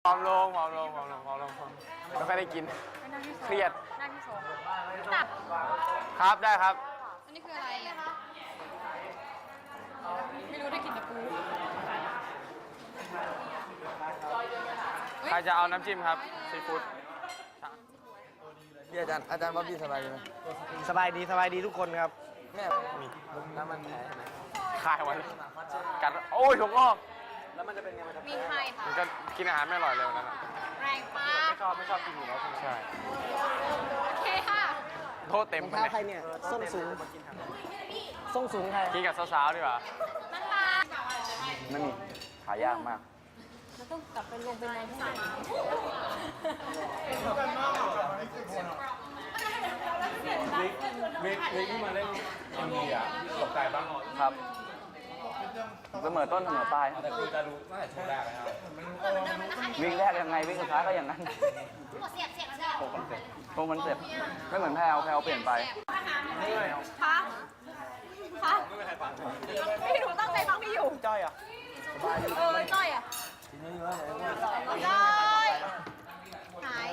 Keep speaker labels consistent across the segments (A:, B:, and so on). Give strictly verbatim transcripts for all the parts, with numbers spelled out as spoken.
A: ผอมลงผอมลงผอมลงผอมลงไม่ค่อยได้กินเครียด
B: หน้าที่สองตับ
A: ครับได้ครับ
B: อันนี้คืออะไรอ่ะไม่รู้ได้กินแต่ปู
A: ใครจะเอาน้ำจิ้มครับซีฟู้ด
C: พี่อาจารย์อาจารย์บ๊อบบี้สบายดีไหม
D: สบายดีสบายดีทุกคนครับ
C: แม่มีแล้วมันแผลใช่ไหม
A: คายไว้กัดโอ้ยถุงงอก
C: แล้วมันจะเป็นไงมันจะ
B: มีไข่ค่ะ
A: มันก็กินอาหารไม่อร่อยเลยวันนั้นอะ
B: แรงปา
C: ไม่ชอบไม่ชอบกินอยู่แล้วใช่ไหม
A: ใช่
B: โอเคค่ะ
A: โทษเต็ม
D: รอง
A: ไป
D: เท้า
A: เลย
D: ใครเนี่ยส้นสูงส้นสูงใคร
A: กินกับสาวๆดีกว่า
B: นั่งมา
C: ไม่มีหายากมาก
B: เราต้องกลับไปลงเป็นนายที่ไหน
E: เวกเวกที่มาเล่นเอ็มวีอ่ะตกใจบ้าง
C: ครับเสมอต้นเสมอปลาย
E: แต่คือจะรู้ตั้งแต่ช่วงแรกเลยครับ
C: วิ่งแรกยังไงวิ่งสุดท้ายก็อย่างนั้น
B: เสียบเสียบเสียบ
C: โคมันเสร็จโคมันเสร็จไม่เหมือนแพลวแพลวเปลี่ยนไป
B: คะคะพี่หนูตั้งใจฟังพี่อยู่
D: จ้อยอ่ะ
B: เออจ้อยอ่ะจ้อยหาย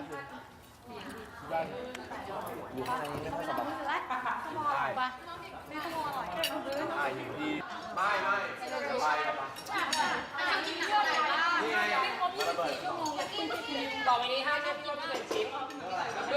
D: อยู่ข้างในไม่ค่อยสบาย
B: ไปไม่ขโมยอร่อย
E: ใช่อยู่ดีไม่ไม่ไปครับ
B: กินเยอะเลยว่า
E: นี่ไงอ่ะระเบิด
B: ต่อไปนี้ห้าชั่วโมงเป็นชิ้น